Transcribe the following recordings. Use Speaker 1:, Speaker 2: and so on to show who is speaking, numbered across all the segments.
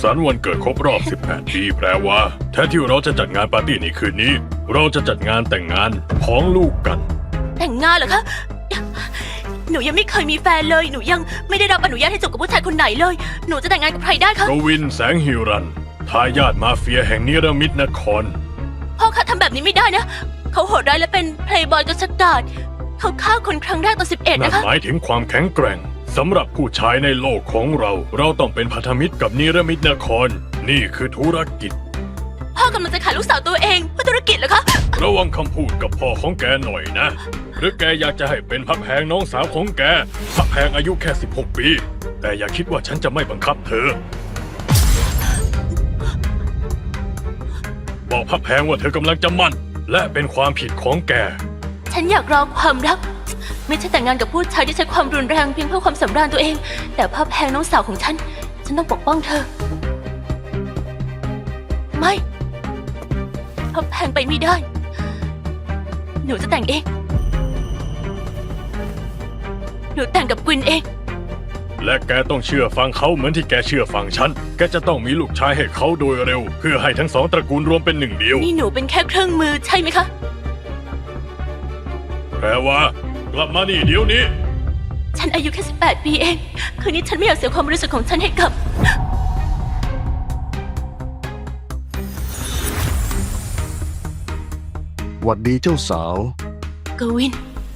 Speaker 1: สันต์วันเกิดครบรอบ 18 ปีแปลว่าแทนที่เราจะจัดงานปาร์ตี้ในคืนนี้ เราจะจัดงานแต่งงานของลูกกัน
Speaker 2: แต่งงานเหรอคะ หนูยังไม่เคยมีแฟนเลย หนูยังไม่ได้รับอนุญาตให้จูบกับผู้ชายคนไหนเลย หนูจะแต่งงานกับใครได้คะ
Speaker 1: กวินแสงฮิรันทายาทมาเฟียแห่งนิรมิตนคร
Speaker 2: พ่อคะทำแบบนี้ไม่ได้นะ เขาโหดร้ายและเป็นเพลย์บอยกษัตริย์เขาฆ่าคนครั้งแรกตอน11
Speaker 1: นั่น
Speaker 2: นะคะ
Speaker 1: หมายถึงความแข็งแกร่งสำหรับผู้ชายในโลกของเรา เราต้องเป็นพันธมิตรกับนิรมิตนคร นี่คือธุรกิจ
Speaker 2: พ่อกำลังจะขายลูกสาวตัวเองเพื่อธุรกิจเหรอคะ
Speaker 1: ระวังคำพูดกับพ่อของแกหน่อยนะ หรือแกอยากจะให้เป็นพักแพงน้องสาวของแกพักแพงอายุแค่ 16 ปี แต่อย่าคิดว่าฉันจะไม่บังคับเธอ บอกพักแพงว่าเธอกำลังจะมั่น และเป็นความผิดของแก
Speaker 2: ฉันอยากรองความรัก ไม่ใช่แต่งงานกับผู้ชายที่ใช้ความรุนแรงเพียงเพื่อความสำราญตัวเอง แต่พ่อแพงน้องสาวของฉันต้องปกป้องเธอ ไม่พ่อแพงไปไม่ได้ หนูจะแต่งเอง หนูแต่งกับกวินเอง
Speaker 1: และแกต้องเชื่อฟังเขาเหมือนที่แกเชื่อฟังฉัน แกจะต้องมีลูกชายให้เขาโดยเร็ว เพื่อให้ทั้งสองตระกูลรวมเป็นหนึ่งเดียว
Speaker 2: นี่หนูเป็นแค่เครื่องมือใช่ไหมคะ
Speaker 1: แปลว่ากลับมานี่เดี๋ยวนี้
Speaker 2: ฉันอายุแค่18 ปีเอง คืนนี้ฉันไม่อยากเสียความบริสุทธิ์ของฉันให้กับ
Speaker 3: หวัดดีเจ้าสาว
Speaker 2: กวิน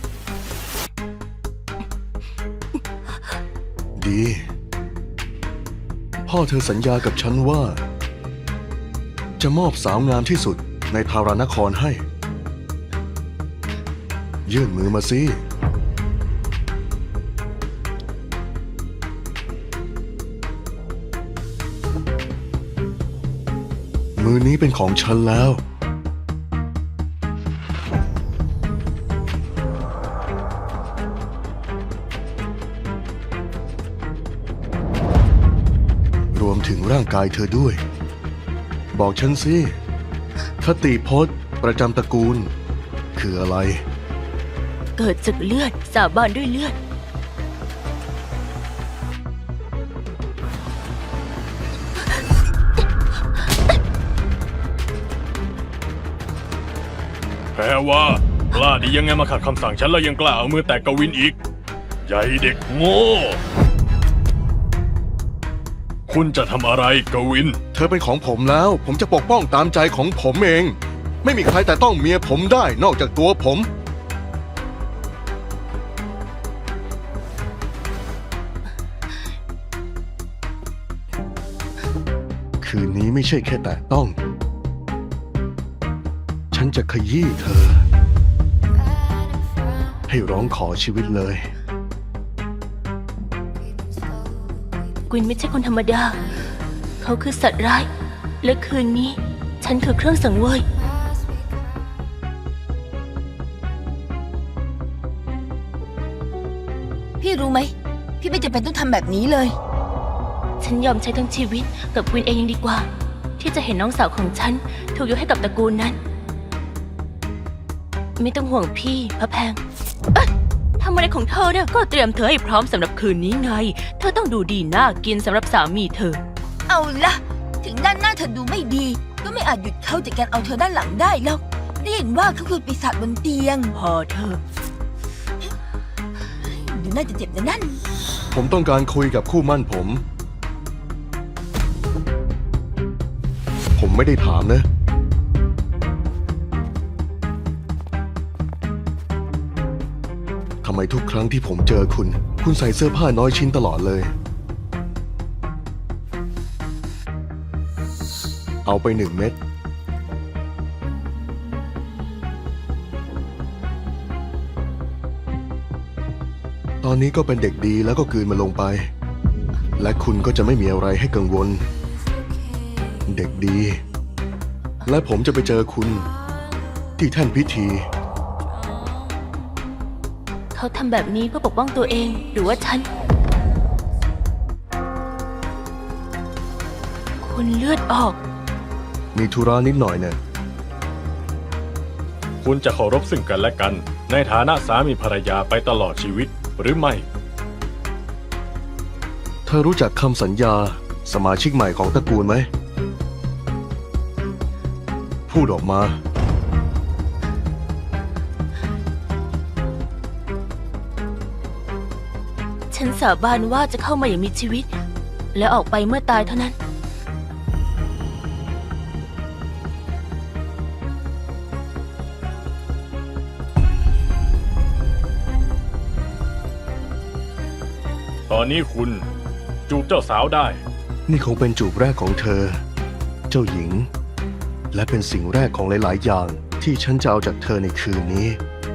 Speaker 3: ดี พ่อเธอสัญญากับฉันว่า จะมอบสาวงามที่สุดในทารานครให้ ยื่นมือมาสิ มือนี้เป็นของฉันแล้ว รวมถึงร่างกายเธอด้วย บอกฉันสิ คติพจน์ประจำตระกูล คืออะไร
Speaker 2: เกิดจากเลือด สาบานด้วยเลือด
Speaker 1: แปลว่ากล้าดียังไงมาขัดคำสั่งฉันแล้วยังกล้าเอามือแตะกวินอีก ใหญ่เด็กโง่ คุณจะทำอะไรกวิน
Speaker 3: เธอเป็นของผมแล้ว ผมจะปกป้องตามใจของผมเอง ไม่มีใครแต่ต้องเมียผมได้นอกจากตัวผม คืนนี้ไม่ใช่แค่แต่ต้อง ฉันจะขยี้เธอ ให้ร้องขอชีวิตเลย
Speaker 2: กวินไม่ใช่คนธรรมดา เขาคือสัตว์ร้าย และคืนนี้ฉันคือเครื่องสังเวย
Speaker 4: พี่รู้ไหม พี่ไม่จำเป็นต้องทำแบบนี้เลย
Speaker 2: ฉันยอมใช้ทั้งชีวิตกับกวินเองยังดีกว่า ที่จะเห็นน้องสาวของฉันถูกยกให้กับตระกูลนั้น ไม่ต้องห่วงพี่พระแพงเอ๊ะทำอะไรของเธอเนี่ยก็เตรียมเธอให้พร้อมสำหรับคืนนี้ไง เธอต้องดูดีน่ากินสำหรับสามีเธอ
Speaker 4: เอาละถึงด้านหน้าเธอดูไม่ดี ก็ไม่อาจหยุดเขาจากการเอาเธอด้านหลังได้หรอกได้เห็นว่าเขาคือปีศาจบนเตียง
Speaker 2: พอเธอ
Speaker 4: ดูน่าจะเจ็บนะนั่น
Speaker 3: ผมต้องการคุยกับคู่มั่นผม ผมไม่ได้ถามนะ ทำไมทุกครั้งที่ผมเจอคุณ คุณใส่เสื้อผ้าน้อยชิ้นตลอดเลย เอาไป1 เม็ด ตอนนี้ก็เป็นเด็กดีแล้วก็กลืนมันลงไป และคุณก็จะไม่มีอะไรให้กังวล เด็กดี และผมจะไปเจอคุณที่แท่นพิธี
Speaker 2: เขาทำแบบนี้เพื่อปกป้องตัวเองหรือว่าฉัน คุณเลือดออก
Speaker 3: มีธุระนิดหน่อยเนี่ย
Speaker 1: คุณจะเคารพซึ่งกันและกัน ในฐานะสามีภรรยาไปตลอดชีวิตหรือไม่
Speaker 3: เธอรู้จักคำสัญญาสมาชิกใหม่ของตระกูลไหม พูดออกมา
Speaker 2: ฉันสาบานว่าจะเข้ามาอย่างมีชีวิต และออกไปเมื่อตายเท่านั้น
Speaker 1: ตอนนี้คุณจูบเจ้าสาวได้
Speaker 3: นี่คงเป็นจูบแรกของเธอ เจ้าหญิง และเป็นสิ่งแรกของหลาย ๆ อย่างที่ฉันจะเอาจากเธอในคืนนี้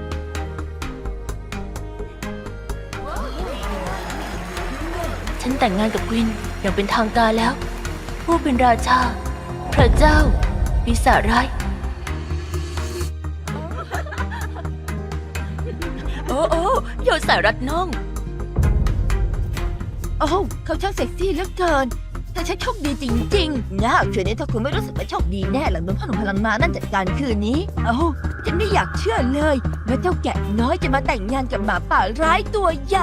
Speaker 2: ฉันแต่งงานกับกวินอย่างเป็นทางการแล้ว ผู้เป็นราชา พระเจ้า ปีศาจร้าย โอ้โอ้โยสายรัดน่อง
Speaker 4: โอ้เขาช่างเซ็กซี่เหลือเกิน แต่ฉันโชคดีจริงๆนะคืนนี้ถ้าคุณไม่รู้สึกว่าโชคดีแน่หลังโดนพ่อหนุ่มพลังมานั่นจัดการคืนนี้โอ้ฉันไม่อยากเชื่อเลยว่าเจ้าแกะน้อยจะมาแต่งงานกับหมาป่าร้ายตัวใหญ่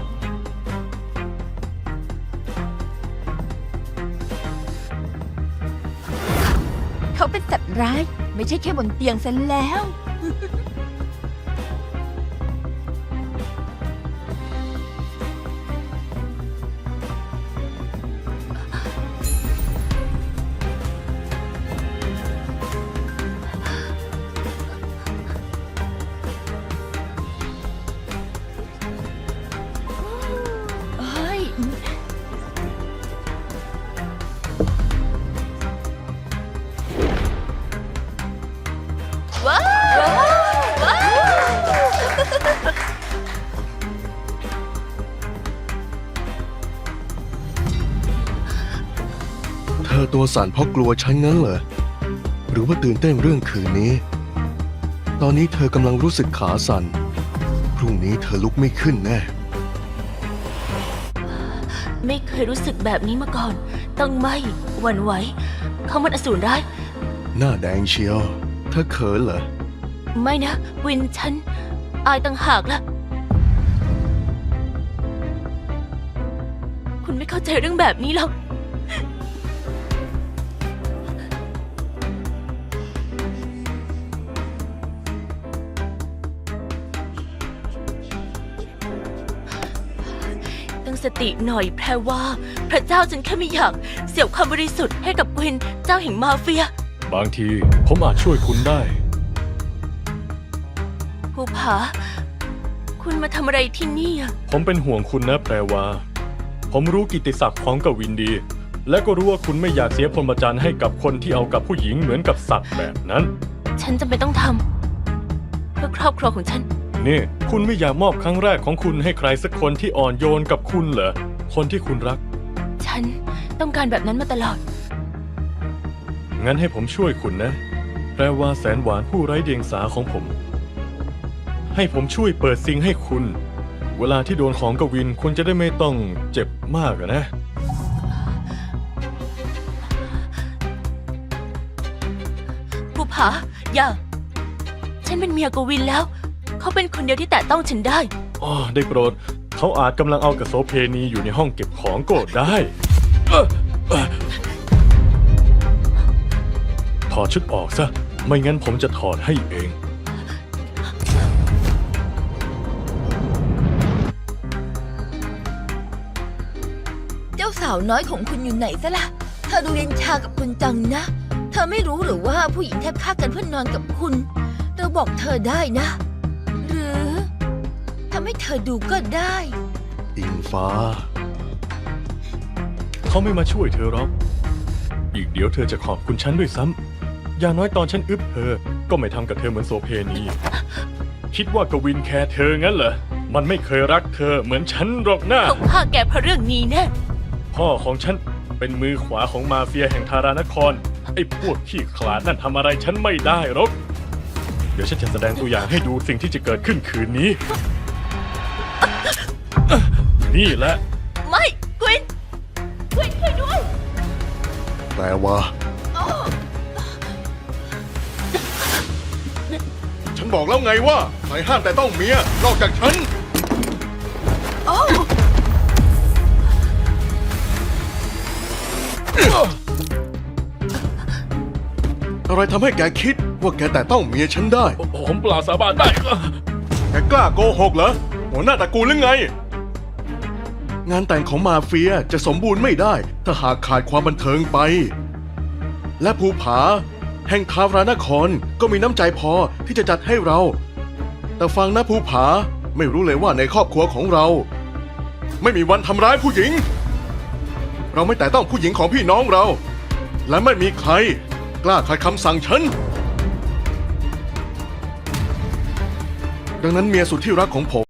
Speaker 4: เขาเป็นสัตว์ร้าย ไม่ใช่แค่บนเตียงซะแล้ว เฮ้ย
Speaker 2: ว้าวว้าว
Speaker 3: เธอตัวสั่นเพราะกลัวฉันงั้นเหรอ หรือว่าตื่นเต้นเรื่องคืนนี้ ตอนนี้เธอกำลังรู้สึกขาสั่น พรุ่งนี้เธอลุกไม่ขึ้นแน่
Speaker 2: ไม่เคยรู้สึกแบบนี้มาก่อน ต้องไม่หวั่นไหว เขามันอสูรร้าย
Speaker 3: หน้าแดงเชียว เธอเขินเหรอ
Speaker 2: ไม่นะ วินฉัน อายต่างหากล่ะ คุณไม่เข้าใจเรื่องแบบนี้หรอก ตั้งสติหน่อยแพรว่า พระเจ้าฉันแค่ไม่อยากเสียความบริสุทธิ์ให้กับกวินเจ้าแห่งมาเฟีย
Speaker 1: บางทีผมอาจช่วยคุณได้
Speaker 2: ภูผา คุณมาทำอะไรที่นี่อะ
Speaker 1: ผมเป็นห่วงคุณนะแปลว่า ผมรู้กิตติศักดิ์ของกวินดี และก็รู้ว่าคุณไม่อยากเสียพรหมจรรย์ให้กับคนที่เอากับผู้หญิงเหมือนกับสัตว์แบบนั้น
Speaker 2: ฉันจำเป็นต้องทำเพื่อครอบครัวของฉัน
Speaker 1: นี่ คุณไม่อยากมอบครั้งแรกของคุณให้ใครสักคนที่อ่อนโยนกับคุณเหรอ คนที่คุณรัก
Speaker 2: ฉันต้องการแบบนั้นมาตลอด
Speaker 1: งั้นให้ผมช่วยคุณนะ แปลว่าแสนหวานผู้ไร้เดียงสาของผม ให้ผมช่วยเปิดซิงให้คุณ เวลาที่โดนของกวินคุณจะได้ไม่ต้องเจ็บมากอะนะ
Speaker 2: ภูผา อย่า ฉันเป็นเมียกวินแล้ว เขาเป็นคนเดียวที่แตะต้องฉันได้
Speaker 1: อ๋อ ได้โปรด เขาอาจกำลังเอากระโสเพณีอยู่ในห้องเก็บของก็ได้ถอดชุดออกซะ ไม่งั้นผมจะถอดให้เอง
Speaker 4: เจ้าสาวน้อยของคุณอยู่ไหนซะล่ะ เธอดูเย็นชากับคุณจังนะ เธอไม่รู้หรือว่าผู้หญิงแทบฆ่ากันเพื่อนนอนกับคุณ เราบอกเธอได้นะ หรือทำให้เธอดูก็ได้
Speaker 3: อิงฟ้า
Speaker 1: เขาไม่มาช่วยเธอหรอก อีกเดี๋ยวเธอจะขอบคุณฉันด้วยซ้ำ อย่างน้อยตอนฉันอึบเธอ ก็ไม่ทำกับเธอเหมือนโสเพณี คิดว่ากวินแคร์เธองั้นเหรอ มันไม่เคยรักเธอเหมือนฉันหรอกนะ
Speaker 2: เขาฆ่าแกเพราะเรื่องนี้แน่
Speaker 1: พ่อของฉันเป็นมือขวาของมาเฟียแห่งทารานคร ไอ้พวกขี้ขลาดนั่นทำอะไรฉันไม่ได้หรอก เดี๋ยวฉันจะแสดงตัวอย่างให้ดูสิ่งที่จะเกิดขึ้นคืนนี้ นี่แหละ
Speaker 2: ไม่กวินช่วยด้วย
Speaker 3: แปลว่า ฉันบอกแล้วไงว่าใครห้ามแต่ต้องเมีย นอกจากฉัน
Speaker 4: โอ้
Speaker 3: อะไรทำให้แกคิดว่าแกแต่ต้องเมียฉันได้
Speaker 1: ผมเปล่าสาบานได้
Speaker 3: แกกล้าโกหกเหรอ หัวหน้าตระกูลหรือไง งานแต่งของมาเฟียจะสมบูรณ์ไม่ได้ ถ้าหากขาดความบันเทิงไป และภูผา แห่งทารานครก็มีน้ำใจพอที่จะจัดให้เรา แต่ฟังนะภูผาไม่รู้เลยว่าในครอบครัวของเรา ไม่มีวันทำร้ายผู้หญิง เราไม่แต่ต้องผู้หญิงของพี่น้องเรา และไม่มีใครกล้าขัดคำสั่งฉัน ดังนั้นเมียสุดที่รักของผม